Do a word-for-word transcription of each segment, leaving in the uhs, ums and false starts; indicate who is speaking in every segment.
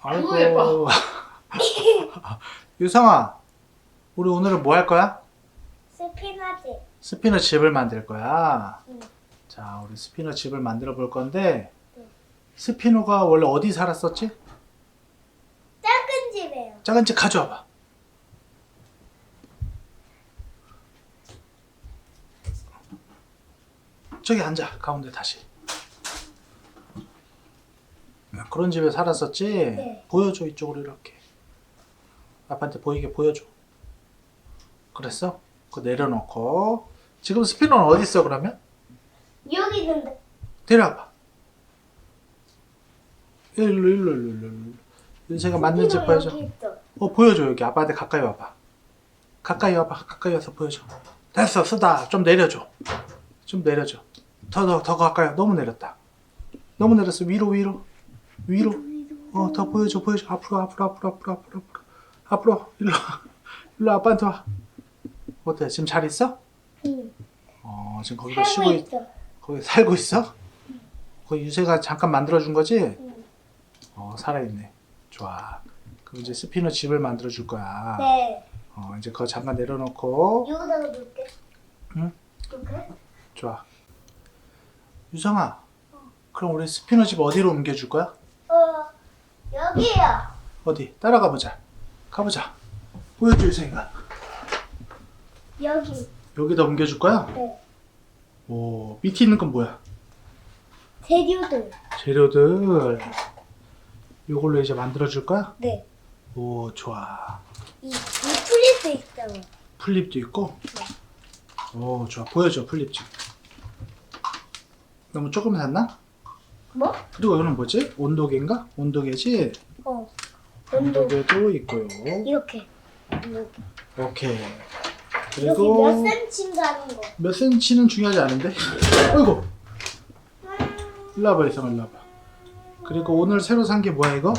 Speaker 1: 아이고.
Speaker 2: 예뻐.
Speaker 1: 유성아, 우리 오늘은 뭐 할 거야?
Speaker 3: 스피너치.
Speaker 1: 스피너 집을 만들 거야.
Speaker 3: 응.
Speaker 1: 자, 우리 스피너 집을 만들어 볼 건데,
Speaker 3: 응.
Speaker 1: 스피너가 원래 어디 살았었지?
Speaker 3: 작은 집이에요.
Speaker 1: 작은 집 가져와봐. 저기 앉아, 가운데 다시. 그런 집에 살았었지?
Speaker 3: 네.
Speaker 1: 보여줘, 이쪽으로 이렇게. 아빠한테 보이게 보여줘. 그랬어? 그거 내려놓고. 지금 스피너는 어디 있어, 그러면?
Speaker 3: 여기 있는데.
Speaker 1: 데려와봐. 일로, 일로, 일로, 일로. 일로. 윤세가 맞는 집
Speaker 3: 스피너
Speaker 1: 보여줘.
Speaker 3: 여기 있어.
Speaker 1: 어, 보여줘, 여기. 아빠한테 가까이 와봐. 가까이 와봐. 가까이 와서 보여줘. 됐어, 쓰다. 좀 내려줘. 좀 내려줘. 더, 더, 더 가까이 와. 너무 내렸다. 너무 내렸어. 위로, 위로. 위로. 어, 더 보여줘, 보여줘. 앞으로, 앞으로, 앞으로, 앞으로, 앞으로, 앞으로. 앞으로. 일로 와. 일로 와, 아빠한테 와. 어때? 지금 잘 있어?
Speaker 3: 응.
Speaker 1: 어, 지금 거기서
Speaker 3: 살고
Speaker 1: 쉬고 있,
Speaker 3: 있어.
Speaker 1: 거기 살고 있어? 거기 유세가 잠깐 만들어준 거지?
Speaker 3: 응.
Speaker 1: 어, 살아있네. 좋아. 그럼 이제 스피너 집을 만들어 줄 거야.
Speaker 3: 네.
Speaker 1: 어, 이제 그거 잠깐 내려놓고.
Speaker 3: 여기다가 놓을게.
Speaker 1: 응?
Speaker 3: 이렇게?
Speaker 1: 좋아. 유성아, 그럼 우리 스피너 집 어디로 옮겨줄 거야?
Speaker 3: 어, 여기요.
Speaker 1: 어디? 따라가 보자. 가보자. 보여줘, 유성이가.
Speaker 3: 여기.
Speaker 1: 여기다 옮겨줄 거야?
Speaker 3: 네.
Speaker 1: 오, 밑에 있는 건 뭐야?
Speaker 3: 재료들.
Speaker 1: 재료들. 요걸로 이제 만들어줄 거야?
Speaker 3: 네.
Speaker 1: 오, 좋아.
Speaker 3: 이, 이 플립도 있잖아.
Speaker 1: 플립도 있고? 오, 좋아. 보여줘, 플립 집. 너무 조금 샀나?
Speaker 3: 뭐?
Speaker 1: 그리고 이거는 뭐지? 온도계인가? 온도계지?
Speaker 3: 어. 온도.
Speaker 1: 온도계도 있고요.
Speaker 3: 이렇게. 이렇게.
Speaker 1: 오케이.
Speaker 3: 여기
Speaker 1: 그리고
Speaker 3: 몇 센치인가 하는 거.
Speaker 1: 몇 센치는 중요하지 않은데? 어이구! 일로 와봐, 이상아, 일로 와봐. 그리고 오늘 새로 산 게 뭐야, 이거?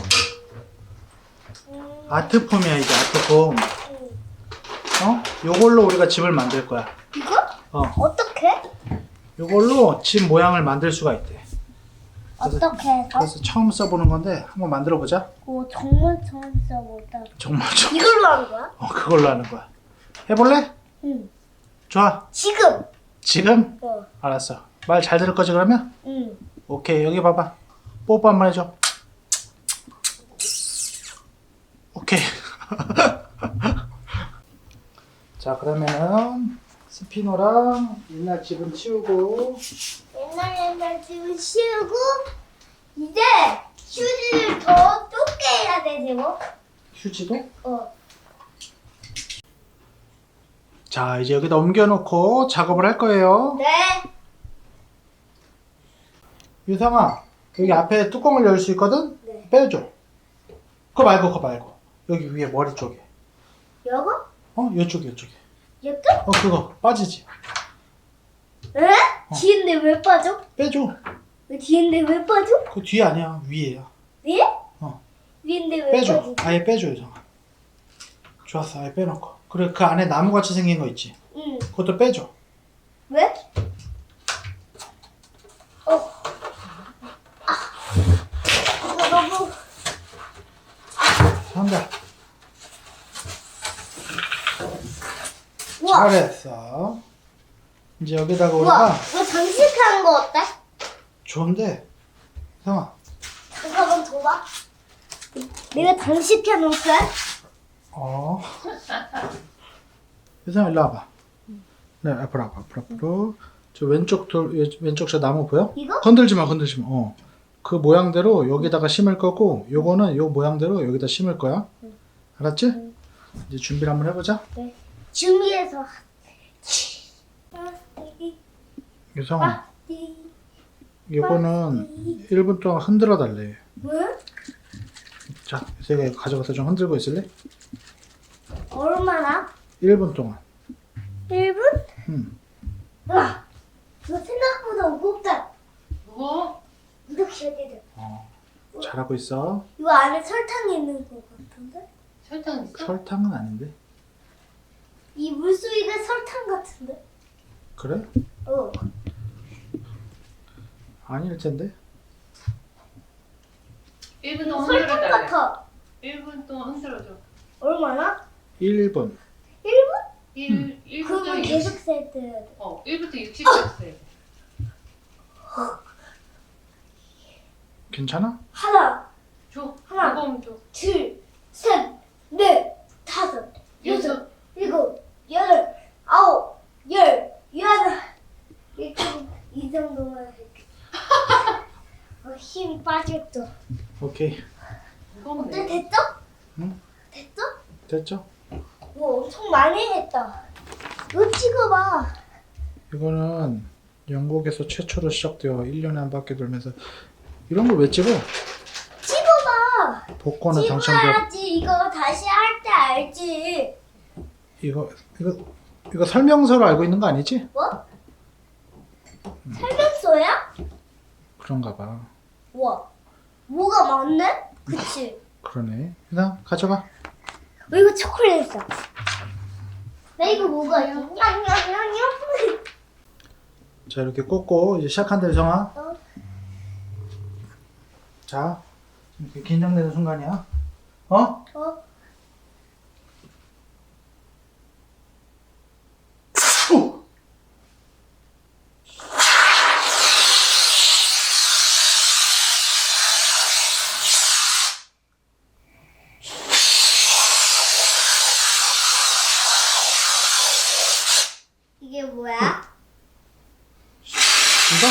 Speaker 3: 음,
Speaker 1: 아트폼이야, 이게 아트폼.
Speaker 3: 음.
Speaker 1: 어? 요걸로 우리가 집을 만들 거야.
Speaker 3: 이거?
Speaker 1: 어.
Speaker 3: 어떻게?
Speaker 1: 요걸로 집 모양을 만들 수가 있대. 그래서,
Speaker 3: 어떻게 해서?
Speaker 1: 그래서 처음 써보는 건데, 한번 만들어 보자.
Speaker 3: 오, 정말 처음 써보다.
Speaker 1: 정말 좀.
Speaker 3: 이걸로 하는 거야?
Speaker 1: 어, 그걸로 하는 거야. 해볼래?
Speaker 3: 응.
Speaker 1: 좋아.
Speaker 3: 지금.
Speaker 1: 지금?
Speaker 3: 어.
Speaker 1: 알았어. 말 잘 들을 거지, 그러면?
Speaker 3: 응.
Speaker 1: 오케이, 여기 봐봐. 뽀뽀 한 번 해줘. 오케이. 자, 그러면은 스피노랑 옛날 집은 치우고.
Speaker 3: 옛날 옛날 집을 씌우고 이제 휴지를 더 좁게 해야 되지 뭐?
Speaker 1: 휴지도?
Speaker 3: 어.
Speaker 1: 자, 이제 여기다 옮겨놓고 작업을 할 거예요.
Speaker 3: 네.
Speaker 1: 유성아, 여기 앞에 뚜껑을 열 수 있거든?
Speaker 3: 네.
Speaker 1: 빼줘. 그거 말고, 그거 말고. 여기 위에 머리 쪽에.
Speaker 3: 요거?
Speaker 1: 어? 이쪽에, 이쪽에.
Speaker 3: 이것도?
Speaker 1: 어, 그거 빠지지.
Speaker 3: 에? 뒤인데 왜 빠져?
Speaker 1: 빼줘.
Speaker 3: 왜 뒤인데 왜 빠져?
Speaker 1: 그 뒤에 아니야, 위에야.
Speaker 3: 위에?
Speaker 1: 어.
Speaker 3: 위인데 왜
Speaker 1: 빼줘.
Speaker 3: 빠지?
Speaker 1: 아예 빼줘, 유성아. 좋았어, 아예 빼놓고. 그래, 그 안에 나무같이 생긴 거 있지?
Speaker 3: 응.
Speaker 1: 그것도 빼줘.
Speaker 3: 왜? 어. 아. 이거 너무
Speaker 1: 한다.
Speaker 3: 우와.
Speaker 1: 잘했어. 이제 여기다가
Speaker 3: 우와.
Speaker 1: 우리가
Speaker 3: 이거 장식하는 거 어때?
Speaker 1: 좋은데, 성아,
Speaker 3: 잠깐만 줘봐. 내가 장식해 놓을게.
Speaker 1: 어. 유성아, 일로 와봐. 네, 앞으로 와봐, 앞으로, 앞으로. 저 왼쪽 돌, 왼쪽 저 나무 보여?
Speaker 3: 이거?
Speaker 1: 건들지 마, 건들지 마. 어. 그 모양대로 여기다가 심을 거고, 요거는 요 모양대로 여기다 심을 거야. 알았지? 이제 준비를 한번 해보자.
Speaker 3: 네. 준비해서.
Speaker 1: 유성아, 요거는 일 분 동안 흔들어 달래.
Speaker 3: 왜?
Speaker 1: 자, 유성아 이거 가져가서 좀 흔들고 있을래?
Speaker 3: 얼마나?
Speaker 1: 일 분 동안.
Speaker 3: 일 분?
Speaker 1: 응.
Speaker 3: 와, 이거 생각보다 무겁다.
Speaker 2: 무거워?
Speaker 3: 이렇게 해야 돼.
Speaker 1: 어. 잘하고 있어.
Speaker 3: 이거 안에 설탕이 있는 것 같은데?
Speaker 2: 설탕 있어?
Speaker 1: 설탕은 아닌데.
Speaker 3: 이 물소리가 설탕 같은데?
Speaker 1: 그래?
Speaker 3: 어.
Speaker 1: 아닐 텐데.
Speaker 2: 일 분 동안
Speaker 3: 설탕
Speaker 2: 흔들어 달래.
Speaker 3: 같아.
Speaker 2: 일 분 동안 흔들어줘.
Speaker 3: 얼마나?
Speaker 1: 일 분.
Speaker 3: 일 분?
Speaker 2: 일, 일 분부터
Speaker 3: 그러면 계속
Speaker 2: 육십.
Speaker 3: 세트 해야 돼.
Speaker 2: 어, 일 분부터 육십 세트.
Speaker 1: 괜찮아?
Speaker 3: 하나,
Speaker 2: 줘.
Speaker 3: 하나.
Speaker 2: 무거우면 줘.
Speaker 3: 둘, 셋, 넷, 다섯, 여섯,
Speaker 2: 여섯.
Speaker 3: 일곱, 여덟, 아홉, 열, 열하나. 이렇게 이 정도만 할게. 어, 힘이 빠졌죠.
Speaker 1: 오케이.
Speaker 2: 무거우면
Speaker 3: 어때?
Speaker 2: 돼.
Speaker 3: 됐죠?
Speaker 1: 응?
Speaker 3: 됐죠?
Speaker 1: 됐죠?
Speaker 3: 뭐 엄청 많이 했다. 이거 찍어봐.
Speaker 1: 이거는 영국에서 최초로 시작되어 일 년에 한 바퀴 돌면서 이런 걸 왜 찍어?
Speaker 3: 찍어봐.
Speaker 1: 복권은 당첨돼.
Speaker 3: 찍어야지. 이거 다시 할 때 알지.
Speaker 1: 이거 이거 이거 설명서로 알고 있는 거 아니지?
Speaker 3: 뭐? 설명서야?
Speaker 1: 그런가 봐.
Speaker 3: 와, 뭐가 많네? 그치?
Speaker 1: 그러네. 그냥 가져가.
Speaker 3: 어, 이거 초콜릿 있어. 나 이거 뭐가 있어? 냥냥냥냥.
Speaker 1: 자 이렇게 꽂고 이제 시작한다 성아.
Speaker 3: 어.
Speaker 1: 자 이렇게 긴장되는 순간이야. 어?
Speaker 3: 어?
Speaker 1: 오!
Speaker 3: 이게 뭐야?
Speaker 1: 이거?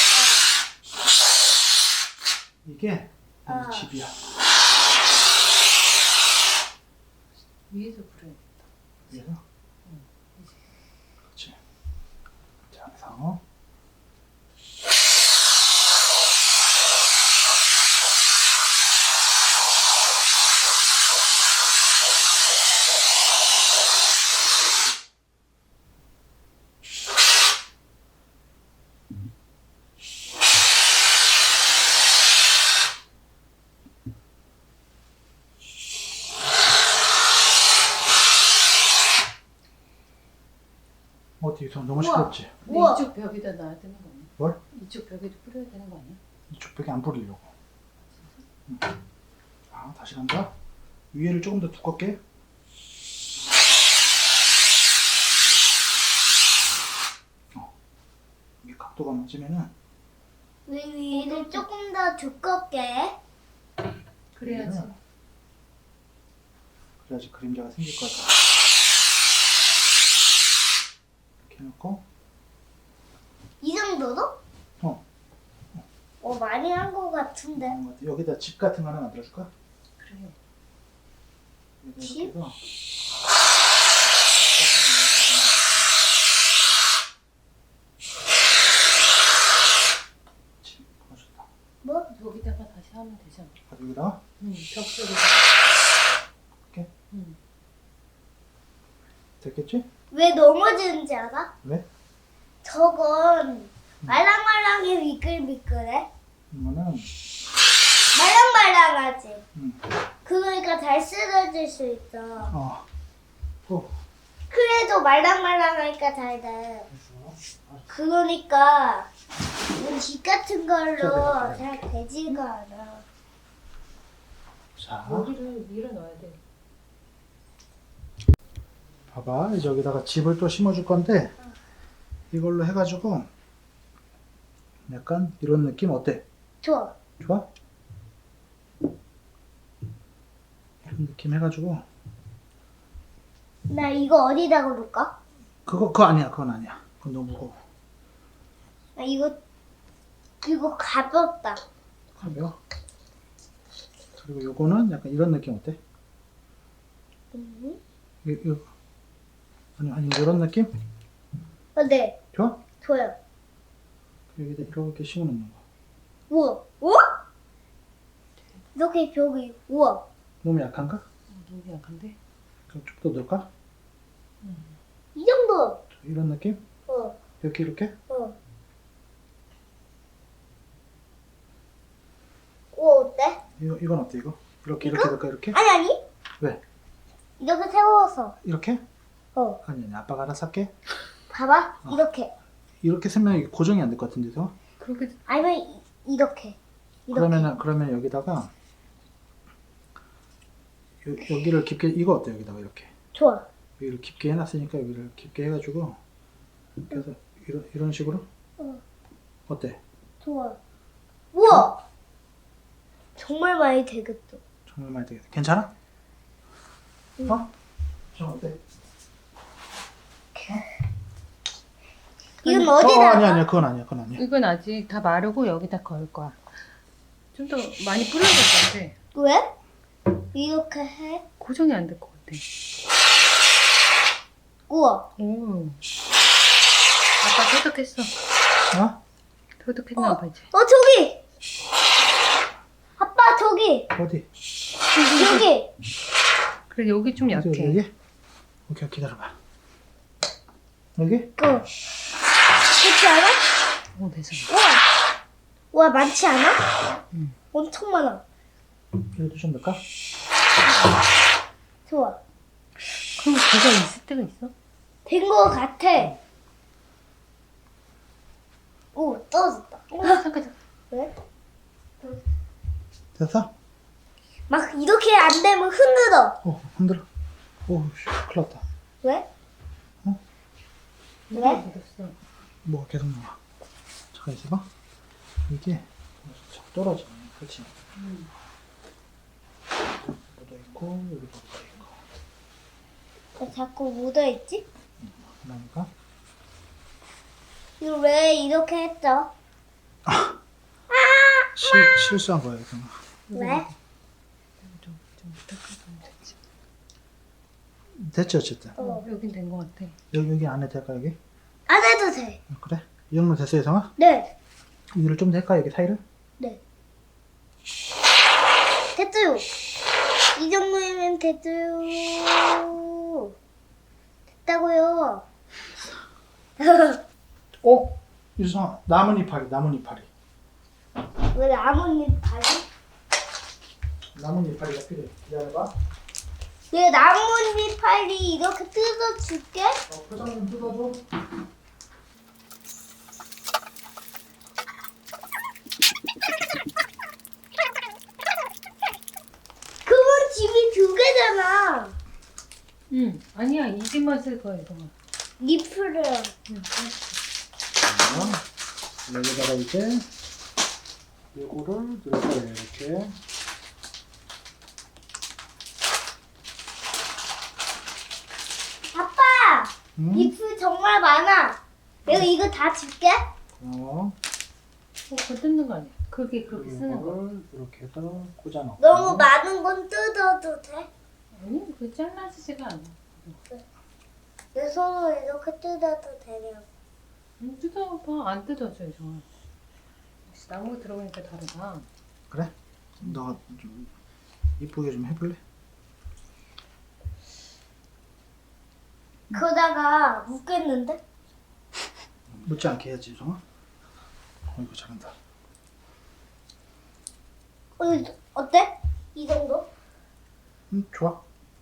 Speaker 1: 이게 우리
Speaker 3: 어.
Speaker 1: 집이야.
Speaker 2: 위에서 불어야 돼.
Speaker 1: 위에서? 그렇지. 자, 상어. 어디 좀 너무
Speaker 3: 우와.
Speaker 1: 시끄럽지?
Speaker 2: 근데
Speaker 3: 우와.
Speaker 2: 이쪽 벽에다 놔야 되는 거 아니야?
Speaker 1: 뭘?
Speaker 2: 이쪽 벽에도 뿌려야 되는 거 아니야?
Speaker 1: 이쪽 벽에 안 뿌리려고. 응. 자, 다시 간다. 위에를 조금 더 두껍게. 어. 이게 각도가 맞으면은
Speaker 3: 왜 위를 조금 더 두껍게?
Speaker 2: 그래야지.
Speaker 1: 위에는 그래야지 그림자가 생길 거야. 이렇게 해놓고
Speaker 3: 이 정도로?
Speaker 1: 어.
Speaker 3: 어, 많이 한 거 같은데.
Speaker 1: 하는 것 같아. 여기다 집 같은 거 하나 만들어줄까?
Speaker 2: 그래.
Speaker 1: 여기다
Speaker 3: 집?
Speaker 1: 이렇게 해서 집. 어, 좋다.
Speaker 3: 뭐?
Speaker 2: 여기다가 다시 하면 되잖아.
Speaker 1: 아, 여기다가
Speaker 2: 응, 벽 속에서.
Speaker 1: 이렇게
Speaker 2: 응.
Speaker 1: 됐겠지?
Speaker 3: 왜 넘어지는지 알아?
Speaker 1: 왜?
Speaker 3: 저건 말랑말랑해 미끌미끌해.
Speaker 1: 이거는
Speaker 3: 말랑말랑하지.
Speaker 1: 음.
Speaker 3: 그러니까 잘 쓰러질 수 있어.
Speaker 1: 어. 어.
Speaker 3: 그래도 말랑말랑하니까 잘 돼.
Speaker 1: 됐어.
Speaker 3: 그러니까 집 같은 걸로
Speaker 1: 자,
Speaker 3: 잘 되지가 않아.
Speaker 1: 자,
Speaker 2: 여기를 밀어 넣어야 돼.
Speaker 1: 봐봐. 이제 여기다가 집을 또 심어줄 건데 이걸로 해가지고 약간 이런 느낌 어때?
Speaker 3: 좋아.
Speaker 1: 좋아? 이런 느낌 해가지고
Speaker 3: 나 이거 어디다 놓을까?
Speaker 1: 그거 그거 아니야. 그건 아니야. 그건 너무 무거워.
Speaker 3: 나 이거 이거 가볍다.
Speaker 1: 가벼워. 그리고 요거는 약간 이런 느낌 어때?
Speaker 3: 음.
Speaker 1: 이, 이, 아니 아니 이런 느낌?
Speaker 3: 어, 네,
Speaker 1: 좋아?
Speaker 3: 좋아요.
Speaker 1: 여기다 이렇게 심어놓는 거.
Speaker 3: 우와, 우와? 이렇게 벽이 우와.
Speaker 1: 너무 약한가?
Speaker 2: 너무 약한데?
Speaker 1: 그럼 좀 더 넣을까?
Speaker 3: 이 정도.
Speaker 1: 이런 느낌?
Speaker 3: 어,
Speaker 1: 이렇게 이렇게?
Speaker 3: 어. 우와 어때?
Speaker 1: 이거 이건 어때 이거? 이렇게
Speaker 3: 이거?
Speaker 1: 이렇게 넣을까 이렇게?
Speaker 3: 아니 아니.
Speaker 1: 왜?
Speaker 3: 이렇게 세워서.
Speaker 1: 이렇게?
Speaker 3: 어,
Speaker 1: 아니 아니 아빠가 알아서 할게.
Speaker 3: 봐봐.
Speaker 1: 어.
Speaker 3: 이렇게.
Speaker 1: 이렇게 쓰면 이게 고정이 안 될 것 같은데서?
Speaker 2: 그렇게
Speaker 3: 아니면 이, 이렇게. 이렇게.
Speaker 1: 그러면은 그러면 여기다가 요, 여기를 깊게 이거 어때 여기다가 이렇게
Speaker 3: 좋아.
Speaker 1: 여기를 깊게 해놨으니까 여기를 깊게 해가지고 그래서 이런 이런 식으로
Speaker 3: 어.
Speaker 1: 어때?
Speaker 3: 좋아. 우와. 정말 많이 되겠다.
Speaker 1: 정말 많이 되겠다. 괜찮아?
Speaker 3: 응.
Speaker 1: 어? 좀 어때?
Speaker 3: 이건
Speaker 1: 어,
Speaker 3: 어디다?
Speaker 1: 아니야 아니야 그건 아니야 그건 아니야.
Speaker 2: 이건 아직 다 마르고 여기다 걸 거야. 좀 더 많이 뿌려야 될 것 같아.
Speaker 3: 왜? 이렇게 해?
Speaker 2: 고정이 안 될 것 같아.
Speaker 3: 우와.
Speaker 2: 오. 아빠 터득했어.
Speaker 1: 어?
Speaker 2: 터득했나 봐 이제.
Speaker 3: 어 저기. 아빠 저기.
Speaker 1: 어디?
Speaker 3: 여기.
Speaker 2: 그래 여기 좀
Speaker 1: 어디,
Speaker 2: 약해.
Speaker 1: 어디, 여기? 오케이 기다려봐. 여기?
Speaker 3: 그. 그렇지 않아?
Speaker 2: 오 됐어.
Speaker 3: 우와. 우와 많지 않아?
Speaker 2: 응.
Speaker 3: 엄청 많아.
Speaker 1: 여기도 좀 넣을까?
Speaker 3: 좋아.
Speaker 2: 그럼 걔가 있을 때가 있어?
Speaker 3: 된 거 같아. 오 떨어졌다.
Speaker 2: 어 잠깐 잠깐.
Speaker 3: 왜?
Speaker 1: 됐어?
Speaker 3: 막 이렇게 안 되면 흔들어.
Speaker 1: 오 흔들어. 오 씨, 큰일 났다.
Speaker 3: 왜?
Speaker 1: 어?
Speaker 3: 왜?
Speaker 2: 묻었어.
Speaker 1: 뭐가 계속 나와. 잠깐 있어봐. 이게 자꾸 떨어지네. 그렇지?
Speaker 2: 음.
Speaker 1: 묻어 있고 여기도 묻어 있고.
Speaker 3: 왜 자꾸 묻어있지?
Speaker 1: 그러니까
Speaker 3: 이거 왜 이렇게 했죠?
Speaker 1: 실 실수한 거야 이거.
Speaker 3: 왜?
Speaker 2: 좀, 좀 부탁하면 되지.
Speaker 1: 됐지 어쨌든.
Speaker 3: 어.
Speaker 2: 여긴 된 것 같아.
Speaker 1: 여기 여기 안에 될까 여기?
Speaker 3: 안 해도 돼.
Speaker 1: 어, 그래? 이 정도 됐어 예성아?
Speaker 3: 네.
Speaker 1: 위를 좀 될까 여기 사이를?
Speaker 3: 네. 됐어요. 이 정도면 됐어요. 됐다고요.
Speaker 1: 어? 유성아 나뭇 이파리 나뭇 이파리.
Speaker 3: 왜 나뭇잎 다시?
Speaker 1: 나뭇 이파리가 필요해. 기다려봐.
Speaker 3: 내 나뭇잎 팔이 이렇게 뜯어줄게.
Speaker 1: 어, 포장 좀 뜯어줘.
Speaker 3: 그건 집이 두 개잖아.
Speaker 2: 응. 아니야 이 집만 쓸 거야 이거.
Speaker 3: 잎을.
Speaker 2: 응.
Speaker 1: 자, 여기다가 이제 요거를 넣을 거예요 이렇게.
Speaker 3: 아빠,
Speaker 1: 응?
Speaker 3: 잎이 정말 많아. 내가 이거 다 줄게.
Speaker 1: 어,
Speaker 2: 어, 그거 뜯는 거 아니야? 그게 그렇게 쓰는 거.
Speaker 1: 요거를 이렇게 해서 꽂아 넣고.
Speaker 3: 너무 많은 건 뜯어도 돼?
Speaker 2: 아니 그게 잘라지지가 않아.
Speaker 3: 내 손으로 이렇게 뜯어도 되냐고.
Speaker 2: 응, 뜯어봐. 안 뜯어져 이거. 역시 나무 들어가니까 다르다.
Speaker 1: 그래? 너가 좀 이쁘게 좀 해볼래?
Speaker 3: 그러다가 묻겠는데?
Speaker 1: 묻지 않게 해야지 유성아. 어 이거 잘한다.
Speaker 3: 어, 어때? 이 정도?
Speaker 1: 응 좋아.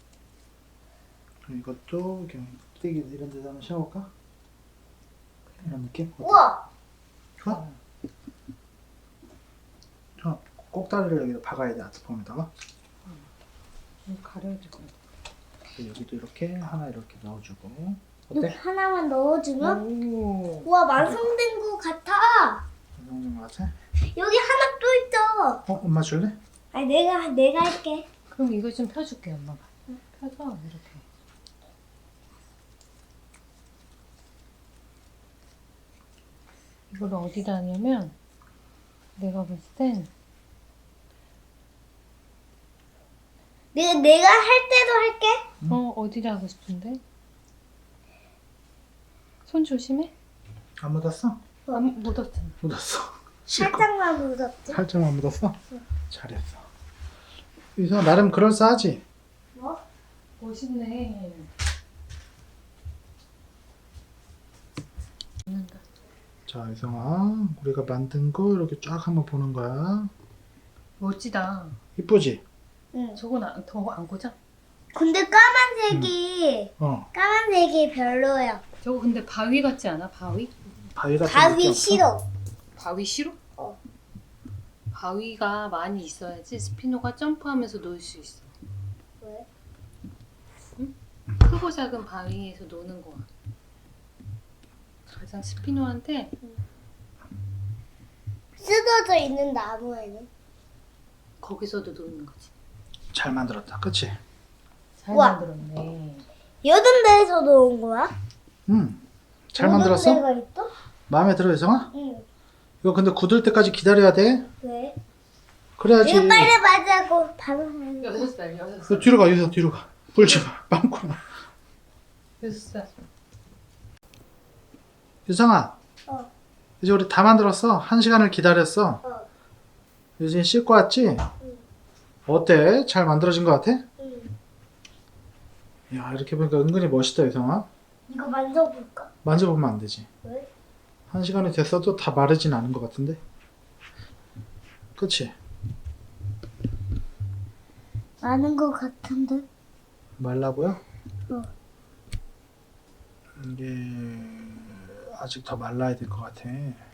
Speaker 1: 그럼 이것도 그냥 떼기 이런 데다 한번 씌워볼까? 이런 느낌? 어때?
Speaker 3: 우와!
Speaker 1: 좋아? 좋아. 꼭다리를 여기다 박아야 돼 아트폼에다가.
Speaker 2: 좀 가려야 될 것 같아.
Speaker 1: 여기도 이렇게 하나 이렇게 넣어주고.
Speaker 3: 이렇게
Speaker 1: 어때?
Speaker 3: 하나만 넣어주면?
Speaker 2: 오.
Speaker 3: 우와, 완성된 거 같아!
Speaker 1: 이정도인 것 같아?
Speaker 3: 여기 하나 또 있어!
Speaker 1: 어? 엄마 줄래?
Speaker 3: 아니, 내가, 내가 할게.
Speaker 2: 그럼 이거 좀 펴줄게 엄마가. 펴서 이렇게. 이걸 어디다 하냐면 내가 봤을 땐
Speaker 3: 내가, 내가 할 때도 할게.
Speaker 1: 응.
Speaker 2: 어, 어디다 하고 싶은데? 손 조심해.
Speaker 1: 안 묻었어?
Speaker 2: 안 묻었잖아.
Speaker 1: 묻었어.
Speaker 3: 살짝만 묻었지?
Speaker 1: 살짝만 묻었어? 잘했어. 유성아 나름 그럴싸하지?
Speaker 3: 뭐?
Speaker 2: 멋있네.
Speaker 1: 자 유성아 우리가 만든 거 이렇게 쫙 한번 보는 거야.
Speaker 2: 멋지다.
Speaker 1: 이쁘지?
Speaker 3: 응.
Speaker 2: 저건 더 안 고자?
Speaker 3: 근데 까만색이,
Speaker 1: 어
Speaker 3: 까만색이 별로야.
Speaker 2: 저거 근데 바위 같지 않아? 바위?
Speaker 1: 바위 같은
Speaker 3: 가위
Speaker 1: 느낌 없어?
Speaker 3: 싫어.
Speaker 2: 바위 싫어?
Speaker 3: 어.
Speaker 2: 바위가 많이 있어야지 스피노가 점프하면서 놀 수 있어.
Speaker 3: 왜?
Speaker 2: 크고 작은 바위에서 노는 거야. 가장 스피노한데
Speaker 3: 쓰러져 있는 나무에는?
Speaker 2: 거기서도 노는 거지.
Speaker 1: 잘 만들었다. 그치?
Speaker 2: 잘
Speaker 3: 우와.
Speaker 2: 만들었네.
Speaker 3: 여든 데에서도 온 거야?
Speaker 1: 응. 잘
Speaker 3: 여든
Speaker 1: 만들었어?
Speaker 3: 데가 있어?
Speaker 1: 마음에 들어, 유성아?
Speaker 3: 응.
Speaker 1: 이거 근데 굳을 때까지 기다려야 돼.
Speaker 3: 왜?
Speaker 1: 그래야지.
Speaker 3: 이거 빨리 맞자고 바로 하는 거.
Speaker 2: 여섯 살, 여섯
Speaker 1: 너
Speaker 2: 살.
Speaker 1: 뒤로 가, 유성 뒤로 가. 불지 마. 빵꾸나.
Speaker 2: 여섯 살.
Speaker 1: 유성아.
Speaker 3: 어.
Speaker 1: 이제 우리 다 만들었어. 한 시간을 기다렸어.
Speaker 3: 어.
Speaker 1: 유진이 씻고 왔지?
Speaker 3: 응.
Speaker 1: 어때? 잘 만들어진 것 같아?
Speaker 3: 응.
Speaker 1: 야, 이렇게 보니까 은근히 멋있다, 유성아.
Speaker 3: 이거 만져볼까?
Speaker 1: 만져보면 안 되지.
Speaker 3: 왜?
Speaker 1: 한 시간이 됐어도 다 마르진 않은 것 같은데. 그치?
Speaker 3: 아는 거 같은데?
Speaker 1: 말라고요?
Speaker 3: 어.
Speaker 1: 이게 아직 더 말라야 될 것 같아.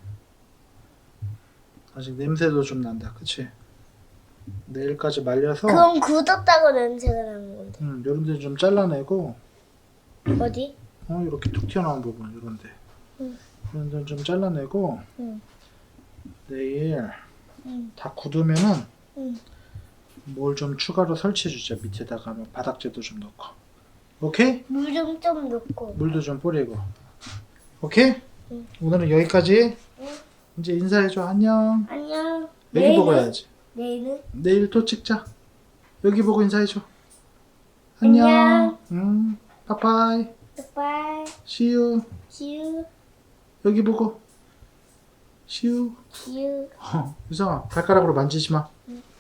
Speaker 1: 아직 냄새도 좀 난다. 그치? 내일까지 말려서
Speaker 3: 그럼 굳었다고 냄새가 나는 건데.
Speaker 1: 음, 요런데 좀 잘라내고
Speaker 3: 어디?
Speaker 1: 어, 이렇게 툭 튀어나온 부분 요런데
Speaker 3: 응.
Speaker 1: 요런데 좀 잘라내고
Speaker 3: 응.
Speaker 1: 내일
Speaker 3: 응.
Speaker 1: 다 굳으면은
Speaker 3: 응.
Speaker 1: 뭘 좀 추가로 설치해주자. 밑에다가 뭐 바닥재도 좀 넣고. 오케이?
Speaker 3: 물 좀 좀 넣고.
Speaker 1: 물도 좀 뿌리고. 오케이?
Speaker 3: 응.
Speaker 1: 오늘은 여기까지.
Speaker 3: 응.
Speaker 1: 이제 인사해줘. 안녕.
Speaker 3: 안녕.
Speaker 1: 여기 보고 해야지.
Speaker 3: 내일은?
Speaker 1: 내일 또 찍자. 여기 보고 인사해줘. 안녕.
Speaker 3: 안녕.
Speaker 1: 음, 빠빠이.
Speaker 3: 바이.
Speaker 1: See you.
Speaker 3: See you.
Speaker 1: 여기 보고. See you.
Speaker 3: See you.
Speaker 1: 어, 유성아, 발가락으로 만지지 마.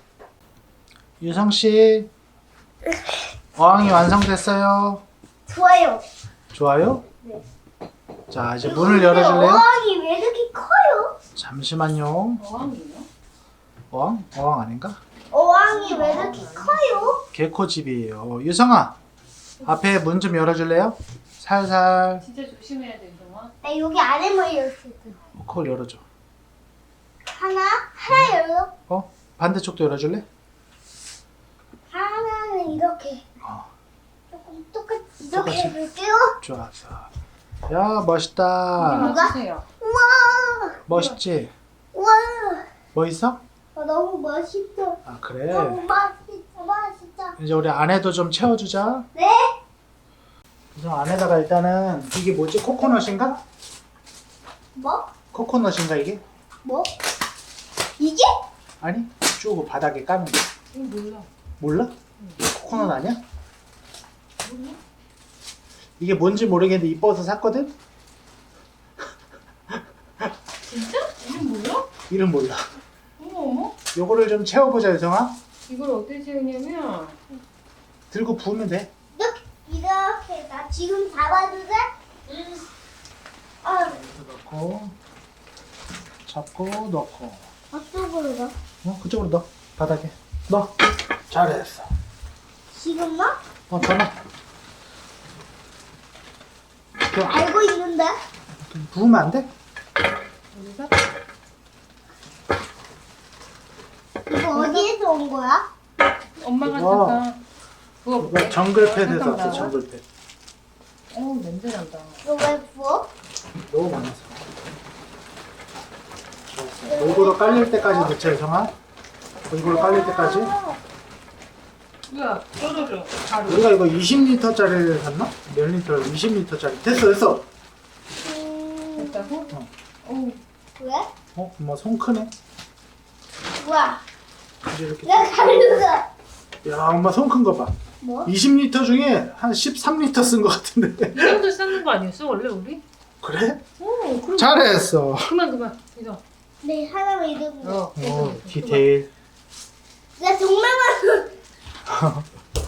Speaker 1: 유성 씨, 어항이 완성됐어요.
Speaker 3: 좋아요.
Speaker 1: 좋아요?
Speaker 3: 네.
Speaker 1: 자, 이제 문을 열어줄래요?
Speaker 3: 어항이 왜 이렇게 커요?
Speaker 1: 잠시만요.
Speaker 2: 어항이에요?
Speaker 1: 어항? 어항 아닌가?
Speaker 3: 어항이 왜 이렇게 커요?
Speaker 1: 개코집이에요. 유성아, 앞에 문 좀 열어줄래요? 살살.
Speaker 2: 진짜 조심해야 돼, 동아.
Speaker 3: 나 여기 안에 몰렸어.
Speaker 1: 어, 그걸 열어줘.
Speaker 3: 하나? 하나 열어?
Speaker 1: 어? 반대쪽도 열어줄래?
Speaker 3: 하나는 이렇게.
Speaker 1: 어.
Speaker 3: 조금 똑같이 이렇게
Speaker 1: 똑같이.
Speaker 3: 해볼게요.
Speaker 1: 좋았어. 야, 멋있다.
Speaker 2: 맞추세요.
Speaker 3: 우와!
Speaker 1: 멋있지?
Speaker 3: 우와!
Speaker 1: 멋있어?
Speaker 3: 어, 너무 멋있어.
Speaker 1: 아, 그래.
Speaker 3: 너무 멋있어, 멋있어.
Speaker 1: 이제 우리 안에도 좀 채워주자.
Speaker 3: 네?
Speaker 1: 그래서 안에다가 일단은 이게 뭐지? 코코넛인가?
Speaker 3: 뭐?
Speaker 1: 코코넛인가 이게?
Speaker 3: 뭐? 이게?
Speaker 1: 아니, 쭉 바닥에 까는 거.
Speaker 2: 이거 몰라.
Speaker 1: 몰라? 코코넛 아니야? 이게 뭔지 모르겠는데 이뻐서 샀거든?
Speaker 2: 진짜? 이름 몰라?
Speaker 1: 이름 몰라.
Speaker 2: 어머, 어머.
Speaker 1: 요거를 좀 채워보자, 유성아.
Speaker 2: 이걸 어떻게 채우냐면
Speaker 1: 들고 부으면 돼.
Speaker 3: 이렇게, 이렇게. 나 지금 잡아도 돼? 응. 아,
Speaker 1: 여기서 넣고, 잡고, 넣고.
Speaker 3: 어쪽으로 가?
Speaker 1: 어, 그쪽으로 넣어. 바닥에. 넣어. 잘했어.
Speaker 3: 지금 뭐?
Speaker 1: 어, 더 넣어. 이렇게
Speaker 3: 알고 있는데?
Speaker 1: 부으면 안 돼?
Speaker 2: 여기서
Speaker 3: 이거 어디에서 온 거야?
Speaker 2: 엄마가
Speaker 1: 이거.
Speaker 2: 잠깐 그거
Speaker 1: 이거 정글패드에서
Speaker 2: 잠깐
Speaker 1: 왔어,
Speaker 2: 나와.
Speaker 1: 정글패드.
Speaker 2: 어우 냄새 난다.
Speaker 3: 이거 왜 부어?
Speaker 1: 너무 많아서. 좋았어. 골고루 깔릴 때까지 넣자, 유성아. 골고루 깔릴 때까지.
Speaker 2: 야, 떨어져. 바로.
Speaker 1: 우리가 이거 이십 리터짜리를 샀나? 몇 리터? 이십 리터짜리. 됐어, 됐어.
Speaker 3: 음,
Speaker 2: 됐다고?
Speaker 1: 어.
Speaker 2: 어우,
Speaker 3: 왜?
Speaker 1: 어, 엄마 손 크네.
Speaker 3: 우와,
Speaker 1: 이제 이렇게.
Speaker 3: 내가 가르쳐.
Speaker 1: 야, 엄마 손 큰 거 봐.
Speaker 3: 뭐?
Speaker 1: 이십 리터 중에 한 십삼 리터 쓴 거 같은데.
Speaker 2: 이 정도 쌓는 거 아니었어 원래 우리?
Speaker 1: 그래?
Speaker 2: 어, 그럼.
Speaker 1: 잘했어.
Speaker 2: 그만 그만. 이거.
Speaker 3: 네, 하나만 이러면 돼.
Speaker 2: 어.
Speaker 1: 오, 디테일.
Speaker 3: 나 정말 많아.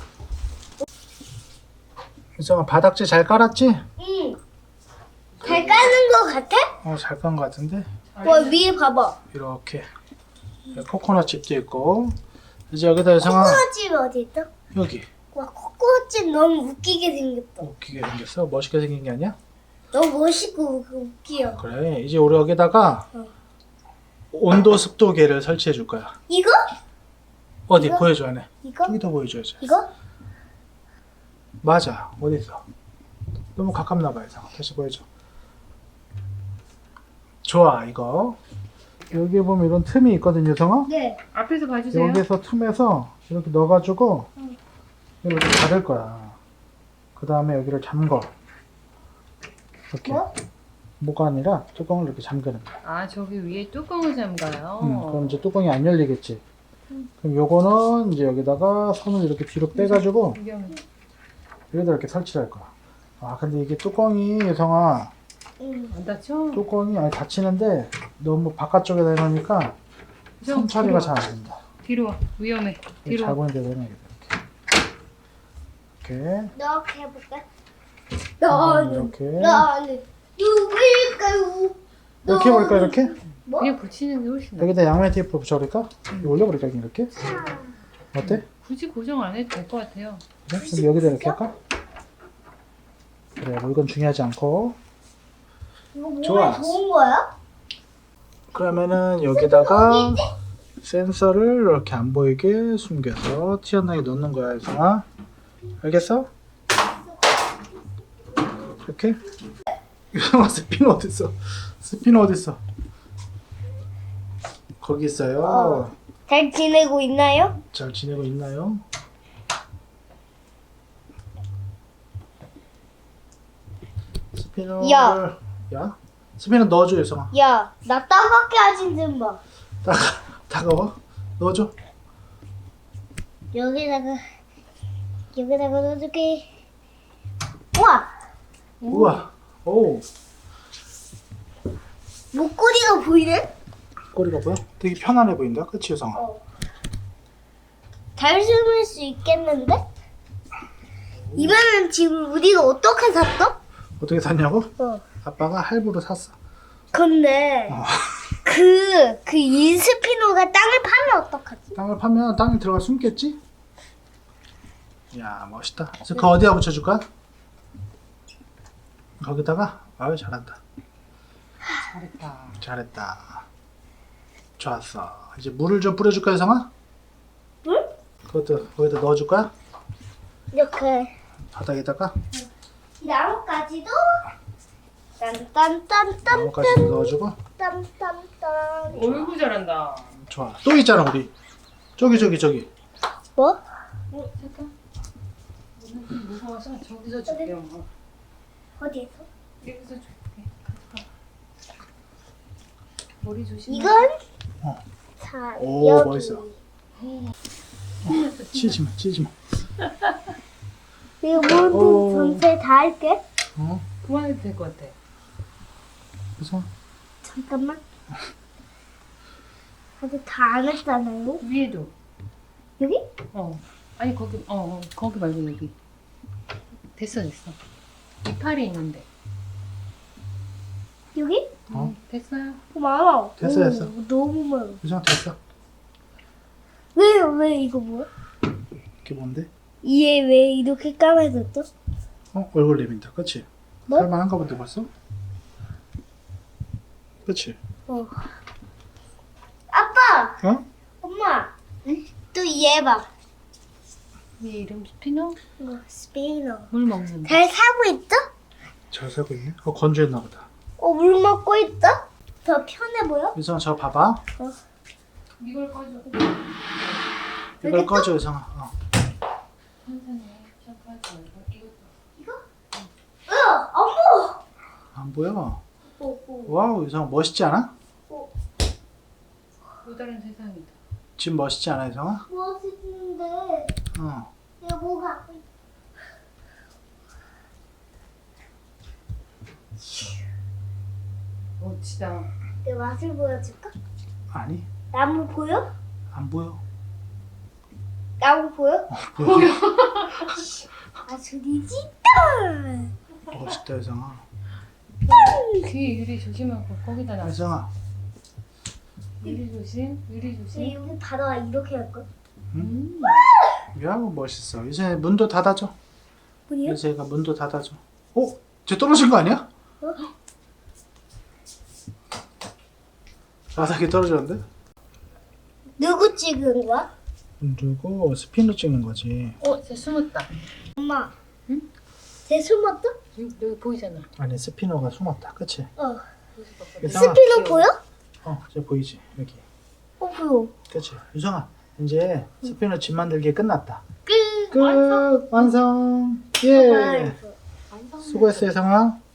Speaker 1: 유성아, 바닥재 잘 깔았지?
Speaker 3: 응. 잘 까는 거 같아?
Speaker 1: 어, 잘 깐 거 같은데.
Speaker 3: 뭐 위에 봐봐.
Speaker 1: 이렇게. 코코넛 칩도 있고. 이제 여기다 유성아,
Speaker 3: 코코넛집 어디 있어?
Speaker 1: 여기.
Speaker 3: 와, 코코넛집 너무 웃기게 생겼다.
Speaker 1: 웃기게 생겼어. 멋있게 생긴 게 아니야?
Speaker 3: 너무 멋있고 웃기요.
Speaker 1: 그래. 이제 우리 여기다가
Speaker 3: 어.
Speaker 1: 온도 습도계를 설치해 줄 거야.
Speaker 3: 이거?
Speaker 1: 어디
Speaker 3: 이거?
Speaker 1: 보여줘, 안에.
Speaker 3: 이거?
Speaker 1: 저기다 보여줘야지.
Speaker 3: 이거?
Speaker 1: 맞아. 어디 있어? 너무 가깝나 봐요. 이상아. 다시 보여줘. 좋아 이거. 여기 보면 이런 틈이 있거든요, 성아.
Speaker 3: 네.
Speaker 2: 앞에서 봐주세요.
Speaker 1: 여기서 틈에서 이렇게 넣어가지고
Speaker 3: 응.
Speaker 1: 이렇게 닫을 거야. 그 다음에 여기를 잠궈. 이렇게.
Speaker 3: 뭐?
Speaker 1: 뭐가 아니라 뚜껑을 이렇게 잠그는 거야.
Speaker 2: 아 저기 위에 뚜껑을 잠가요.
Speaker 1: 음, 그럼 이제 뚜껑이 안 열리겠지. 그럼 요거는 이제 여기다가 손을 이렇게 뒤로 빼가지고
Speaker 2: 위험해.
Speaker 1: 여기다 이렇게 설치할 거야. 아 근데 이게 뚜껑이 예성아
Speaker 3: 응.
Speaker 2: 안 다쳐?
Speaker 1: 뚜껑이 아니 닫히는데 너무 바깥쪽에다 해놓으니까
Speaker 2: 좀
Speaker 1: 손 처리가
Speaker 2: 뒤로 와.
Speaker 1: 잘 안 된다.
Speaker 2: 뒤로 와. 위험해. 뒤로
Speaker 1: 잘
Speaker 2: 와.
Speaker 1: 보이는 데다 해놔야겠다. 이렇게.
Speaker 3: 이렇게 해볼까?
Speaker 1: 이렇게.
Speaker 3: 나는
Speaker 1: 이렇게.
Speaker 3: 나는 누구일까요?
Speaker 1: 이렇게 해볼까 이렇게?
Speaker 3: 뭐?
Speaker 2: 그냥 붙이는 게 훨씬 나아.
Speaker 1: 여기다 양면 테이프 붙여버릴까? 이거 올려버릴까 이렇게? 어때?
Speaker 2: 굳이 고정 안 해도 될 것 같아요.
Speaker 1: 그래? 그럼 여기다 이렇게 할까? 그래 뭐 이건 중요하지 않고
Speaker 3: 이거 몸에
Speaker 1: 좋아.
Speaker 3: 좋은 거야?
Speaker 1: 그러면은 여기다가 센서를 이렇게 안 보이게 숨겨서 튀어나오게 넣는 거야 유성아. 알겠어? 이렇게? 유성아 스피너 어딨어? 스피너 어딨어? 거기 있어요.
Speaker 3: 어. 잘 지내고 있나요?
Speaker 1: 잘 지내고 있나요? 스피너를
Speaker 3: 야.
Speaker 1: 야? 스피너 넣어줘 유성아.
Speaker 3: 야, 나 따갑게 하진 좀 봐.
Speaker 1: 따가, 따가워? 넣어줘.
Speaker 3: 여기다가 여기다가 넣어줄게. 우와,
Speaker 1: 우와. 오.
Speaker 3: 목걸이가 보이네?
Speaker 1: 꼬리가 보여? 되게 편안해 보인다. 그치 유성아?
Speaker 3: 어. 잘 숨을 수 있겠는데? 이번엔 지금 우리가 어떻게 샀어?
Speaker 1: 어떻게 샀냐고?
Speaker 3: 어.
Speaker 1: 아빠가 할부로 샀어.
Speaker 3: 근데
Speaker 1: 어.
Speaker 3: 그, 그 인스피노가 땅을 파면 어떡하지?
Speaker 1: 땅을 파면 땅에 들어가 숨겠지? 야 멋있다. 그래서 그 어디다 붙여줄까? 거기다가? 아유 잘한다.
Speaker 2: 잘했다.
Speaker 1: 잘했다. 좋았어. 이제 물을 좀 뿌려줄까 유성아?
Speaker 3: 물?
Speaker 1: 그것도 거기다 넣어줄 거야?
Speaker 3: 이렇게
Speaker 1: 바닥에다가
Speaker 3: 나뭇가지도 딴딴딴딴
Speaker 1: 나뭇가지도 넣어주고.
Speaker 3: 딴딴딴
Speaker 2: 어이구 잘한다.
Speaker 1: 좋아. 또 있잖아 우리. 저기 저기 저기.
Speaker 3: 뭐?
Speaker 2: 어 잠깐. 오늘 좀 무서워서 저기서 줄게요. 어.
Speaker 3: 어디에서?
Speaker 2: 여기서 줄게. 가져가. 머리 조심해.
Speaker 3: 이건?
Speaker 1: 어.
Speaker 3: 자,
Speaker 1: 오,
Speaker 3: 여기
Speaker 1: 멋있어. 치지 마, 치지 마.
Speaker 3: 이거 모든
Speaker 1: 오.
Speaker 3: 전체 다 할게.
Speaker 1: 어?
Speaker 2: 그만해도 될 것 같아.
Speaker 1: 그래서
Speaker 3: 잠깐만. 아직 다 안 했잖아요.
Speaker 2: 위에도.
Speaker 3: 여기?
Speaker 2: 어. 아니 거기 어, 어 거기 말고 여기. 됐어 됐어. 이파리 있는데.
Speaker 3: 여기?
Speaker 1: 어?
Speaker 2: 음, 됐어요.
Speaker 3: 어, 많아.
Speaker 1: 됐어,
Speaker 3: 오,
Speaker 1: 됐어.
Speaker 3: 너무 많아.
Speaker 1: 유성 됐어.
Speaker 3: 왜, 왜 이거 뭐야?
Speaker 1: 이게 뭔데?
Speaker 3: 얘 왜 이렇게 까매졌죠?
Speaker 1: 어? 얼굴 내민다. 그치?
Speaker 3: 뭐?
Speaker 1: 살만한가 본데 벌써? 그치?
Speaker 3: 어. 아빠!
Speaker 1: 어?
Speaker 3: 엄마! 또 얘 봐.
Speaker 2: 얘 이름 스피너?
Speaker 3: 이거 스페인어.
Speaker 2: 물 먹는.
Speaker 3: 잘 사고 있죠?
Speaker 1: 잘 살고 있네? 어 건조했나 보다.
Speaker 3: 어, 물 먹고 있죠? 더 편해 보여?
Speaker 1: 유성아 저거 봐봐.
Speaker 2: 이걸 꺼줘.
Speaker 1: 이걸 꺼줘 유성아. 어.
Speaker 2: 천천히 셔파지 말고 이것도.
Speaker 3: 이거? 어, 어머!
Speaker 1: 안 보여?
Speaker 3: 어, 어.
Speaker 1: 와우 유성아 멋있지 않아?
Speaker 2: 또 다른 세상이다.
Speaker 1: 지금 멋있지 않아 유성아?
Speaker 3: 멋있는데
Speaker 1: 어.
Speaker 3: 얘 뭐가
Speaker 2: 멋지다.
Speaker 3: 내 맛을 보여줄까?
Speaker 1: 아니
Speaker 3: 나무 보여?
Speaker 1: 안 보여.
Speaker 3: 나무 보여?
Speaker 1: 보여.
Speaker 3: 아, 소리 진짜!
Speaker 1: 멋있다 유성아.
Speaker 2: 귀 유리 조심하고 거기다 놔.
Speaker 1: 유성아.
Speaker 2: 유리 조심. 유리
Speaker 3: 쟤
Speaker 2: 조심.
Speaker 3: 여기 바다가 이렇게 할걸?
Speaker 2: 음.
Speaker 1: 야 멋있어. 이제 문도 닫아줘.
Speaker 3: 뭐냐?
Speaker 1: 이제가 문도 닫아줘. 어? 쟤 떨어진 거 아니야?
Speaker 3: 어?
Speaker 1: 바닥에 떨어졌는데?
Speaker 3: 누구 찍은 거야?
Speaker 1: 누르고 스피너 찍는 거지.
Speaker 2: 어, 쟤 숨었다.
Speaker 3: 엄마, 쟤 숨었다?
Speaker 2: 여기, 여기 보이잖아.
Speaker 1: 아니 스피너가 숨었다. 그치?
Speaker 3: 어.
Speaker 1: 유성아.
Speaker 3: 스피너 보여?
Speaker 1: 어, 저 보이지? 여기.
Speaker 3: 어 보여.
Speaker 1: 그치? 유성아, 이제 스피너 집 만들기 끝났다.
Speaker 3: 끝.
Speaker 1: 끝! 완성! 예!
Speaker 2: 완성.
Speaker 1: 수고했어, 유성아.